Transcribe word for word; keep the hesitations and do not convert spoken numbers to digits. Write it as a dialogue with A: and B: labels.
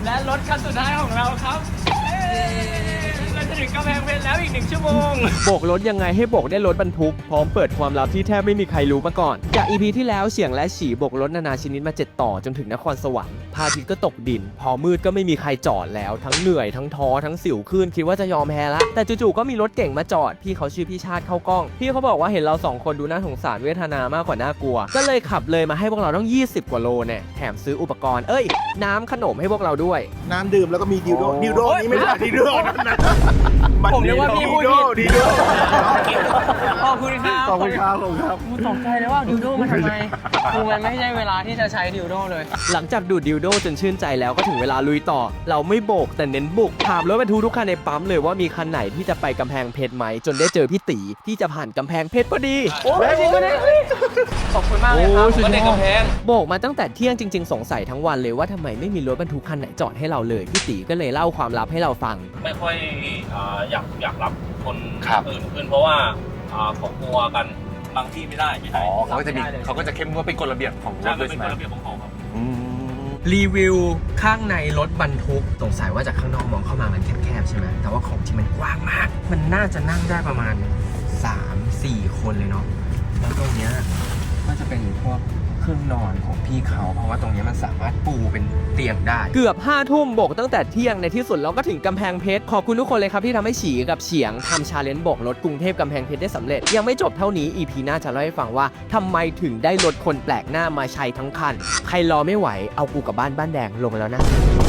A: และรถคันสุดท้ายของเราครับเราจะถึงกำแพงเพชรแล้วอีกหนึ่งชั่วโมงโบกรถยังไงให้โบกได้รถบรรทุกพร้อมเปิดความลับที่แทบไม่มีใครรู้มาก่อนจาก อี พี ที่แล้วเสียงและฉี่โบกรถนานาชนิดมาเจ็ดต่อจนถึงนครสวรรค์พระอาทิตย์ก็ตกดินพอมืดก็ไม่มีใครจอดแล้วทั้งเหนื่อยทั้งท้อทั้งสิวขึ้นคิดว่าจะยอมแพ้ละแต่จู่ๆก็มีรถเก่งมาจอดพี่เขาชื่อพี่ชาติเข้ากล้องพี่เขาบอกว่าเห็นเราสองคนดูน่าสงสารเวทนามากกว่าน่ากลัวก็เลยขับเลยมาให้พวกเราต้องยี่สิบกว่าโลเนี่ยแถมซื้ออุปกรณ์เอ้ยน้ำขนมให้พวกเราด้วย
B: น้ำดื่มแล้วก็มีดิวโดดิวโดนี่ไม่ใช่ดิวโดนั่นนะ
A: ผมนึกว่าพี่พูดผิด
B: ดิวโด
A: ขอบคุณครับ
B: ขอบคุณครับขอบคุณครับ
A: กูตกใจเลยว่าดิวโดมันทำไมคือมันไม่ใช่เวลาที่จะใช้ดิวโดเลยหลังจากดูดดิวโดจนชื่นใจแล้วก็ถึงเวลาลุยต่อเราไม่โบกแต่เน้นบุกถามรถบรรทุกทุกคันในปั๊มเลยว่ามีคันไหนที่จะไปกำแพงเพชรไหมจนได้เจอพี่ตีที่จะผ่านกำแพงเพชรพอดีโอ้ยจริงปะเนี่ยขอบคุณมากเลยครับก็เด็กกำแพงโบกมาตั้งแต่เที่ยงจริงๆสงสัยทั้งวันเลยว่าทำไมไม่มีรถบรรทุกคันไหนจอดให้เราเลยพี่ตีก็เลยเล่าความลับให้เราฟัง
C: ไม่ค่อยอยากอยากรับคนอื่นขึ้นเพราะว่าเขากลัวกันบางที่ไม่ได้ไม่ได้
D: เขาก็จะมีเขาก็จะเข้มงวดเป็นกฎระเบียบของรถด้วยใช่ไหม
C: เป็นกฎระเบียบของเขาครับ
A: รีวิวข้างในรถบรรทุกสงสัยว่าจากข้างนอกมองเข้ามามันแคบๆใช่ไหมแต่ว่าของจริงมันกว้างมากมันน่าจะนั่งได้ประมาณ สามสี่ คนเลยเนาะแล้วตรงเนี้ยก็จะเป็นพวกเครื่องนอนของพี่เขาเพราะว่าตรงนี้มันสามารถปูเป็นเตียงได้เกือบห้าทุ่มโบกตั้งแต่เที่ยงในที่สุดเราก็ถึงกำแพงเพชรขอบคุณทุกคนเลยครับที่ทำให้ฉีกับเฉียงทำชาเลนจ์โบกรถกรุงเทพกำแพงเพชรได้สำเร็จยังไม่จบเท่านี้ อี พี หน้าจะเล่าให้ฟังว่าทำไมถึงได้รถคนแปลกหน้ามาใช้ทั้งคันใครรอไม่ไหวเอากูกับบ้านบ้านแดงลงแล้วนะ